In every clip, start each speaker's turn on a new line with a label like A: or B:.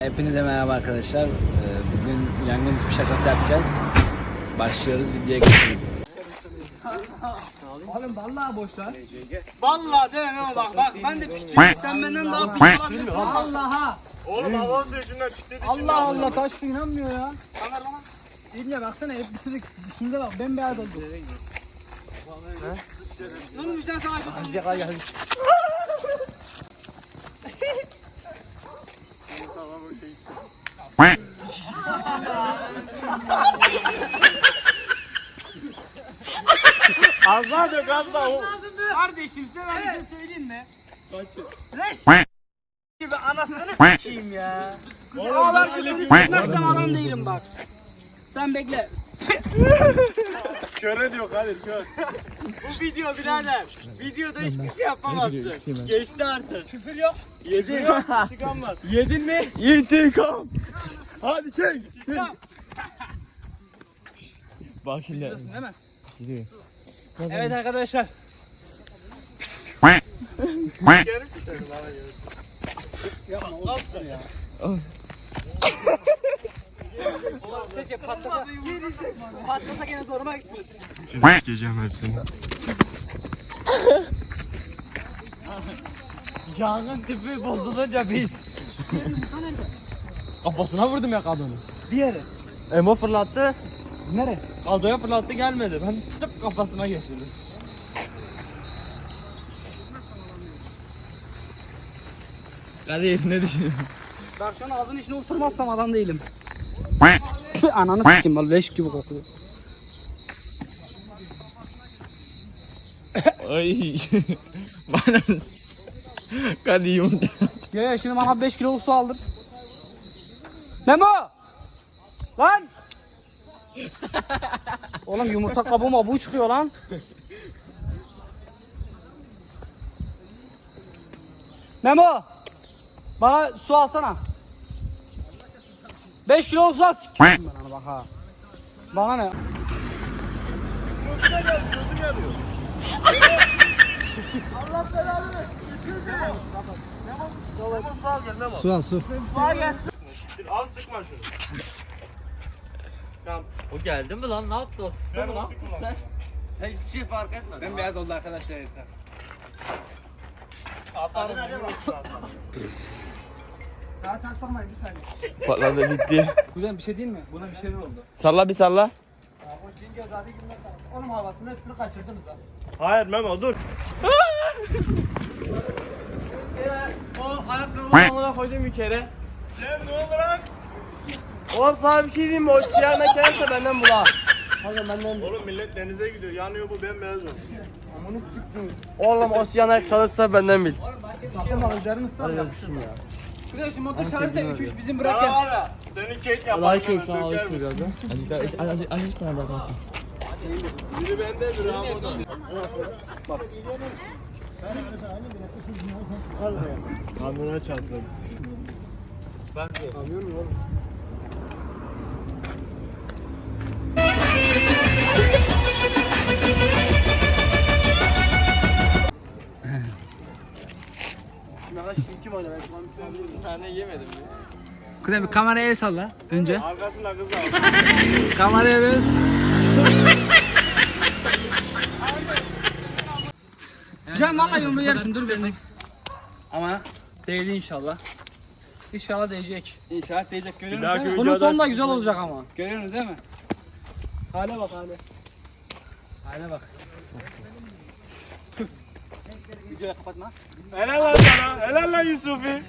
A: Hepinize merhaba arkadaşlar. Bugün yangın tüpü şakası yapacağız. Başlıyoruz, videoya geçelim.
B: Oğlum vallahi boş lan. Vallahi demem ama bak ben de piçim. Sen benden daha piç olabilirsin. Allah'a.
C: Oğlum hava suyundan çıktı dışında.
B: Allah Allah taş inanmıyor ya. Kamer bana. İbne baksana hep bitirdik. Dışında bak bembeyaz oldu. Lan müjden sana açılsın. Hadi gel.
C: Azla dök azla.
B: Kardeşim size ben bir şey söyleyeyim mi? Reş gibi anasını s**eyim ya. Ağlar sözünü s**mezsem adam değilim bak. Sen bekle.
C: Köre diyor Kadir kör.
D: Bu video birader. Videoda hiçbir şey yapamazsın. Geçti artık.
C: Küfür yok.
D: Yedin.
C: İntikam var.
D: Yedin mi?
C: İntikam. Hadi çek.
D: Bak şimdi.
B: Değil mi?
D: Gidiyor.
B: Evet arkadaşlar.
C: Geri düşelim bana göre.
B: Yapma oğlum ya. Keşke patlasa. Patlasa gene zoruma gitmiyor.
C: Sikeceğim hepsini.
D: Yangın tüpü bozulunca biz. Kafasına vurdum ya kadını.
B: Bir yere.
D: Emo fırlattı.
B: Nere?
D: Kaldoya fırlattı gelmedi. Ben tıp kafasına geçirdim. Kadir ne düşünüyorsun?
B: Bak şu an ağzının içine osurmazsam adam değilim. Ananı s**kim vallahi leş gibi kokuyor.
D: Ay. Bana Kadir yumurta.
B: Ya şimdi bana 5 kilo su aldım. Memo! Lan! Oğlum yumurta kabuğuma bu çıkıyor lan. Memo! Bana su alsana. 5 kilo su al s**kim ben ona bak ha. Bana ne?
C: Allah belanı versin. Memo su al gel Memo.
A: Su al su.
C: Al sıkma şunu. Tamam.
D: O geldi mi lan? Ne yaptı o? Sıktı mı lan? Sen? Hiçbir şey fark etmedi.
A: Ben beyaz oldu arkadaşlar yeter.
C: Atarım.
B: Zaten sormayın bir saniye.
D: Patladı bitti.
B: Kuzen bir şey değil mi? Buna bir şeyler oldu.
D: Salla bir salla.
B: O Cingöz abi günler sana. Onun havasını hepsini kaçırdınız ha.
C: Hayır Memo dur.
D: O ayakkabımı alana koydum bir kere.
C: Ne oldu lan?
D: Oğlum sana bir şey diyeyim mi? O siyah mekanse benden bula. Hadi benden.
C: Oğlum millet denize gidiyor. Yanıyor bu bembeyaz oldu.
D: Oğlum o siyah çalışsa benden bil.
B: Bakın bana üzerine ısrar yapışım ya. Kuzen şimdi motor çağırırsa 3-3 bizim bırak
C: Sana
B: ya.
C: var ya. Seni kek yapar.
D: Allah için şu an alışıyor biraz da. Azıcık bana bırak.
C: Biri bende biri ama da. Kamera çarptım.
D: Bir tane yemedim.
B: Kuzen bir kameraya el salla önce.
C: Arkasında kız var.
B: Kameraya ver. Can vallahi yumruğu yersin dur bir. Ama değdi inşallah. İnşallah değecek. İnşallah değecek görüyorsunuz
C: dahaki
B: değil mi? Bunun
C: videoda
B: sonu da güzel olacak ama. Görüyorsunuz değil mi? Hale bak hale. Hale bak. Videoyu kapatma.
C: Helal lan sana. Helal lan Yusuf'i.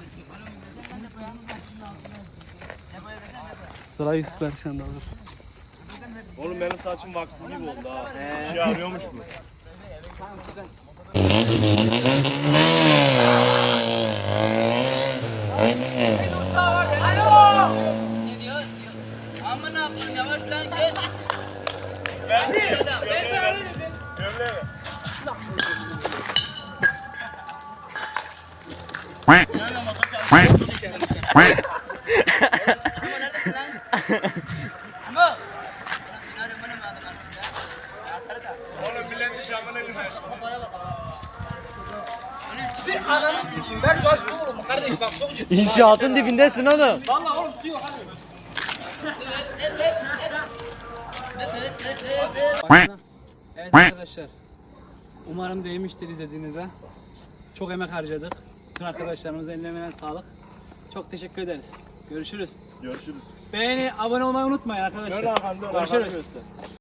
B: Sıra Yusuf Berşan'da olur.
C: Oğlum benim saçım vaksız gibi oldu ha. Bir şey arıyormuş mu?
E: Aman abim yavaş lan geç.
C: Ben de.
E: Ben sana öyle dedim.
C: Gömleğe.
E: Yanına motor çalışıyor. Ama neredesin lan? Ama. Bana madem aslında.
C: Oğlum milletin camına gider.
B: Bir ananı sikeyim. Ver şu an su oğlum kardeş bak çok
A: İnşaatın dibindesin oğlum.
B: Vallahi oğlum su yok hadi. Evet arkadaşlar. Umarım değmiştir izlediğinize. Çok emek harcadık. Bütün arkadaşlarımıza ellerine sağlık. Çok teşekkür ederiz. Görüşürüz.
C: Görüşürüz.
B: Beğeni, abone olmayı unutmayın arkadaşlar.
C: Dön arkanda,
B: Görüşürüz.
C: göster.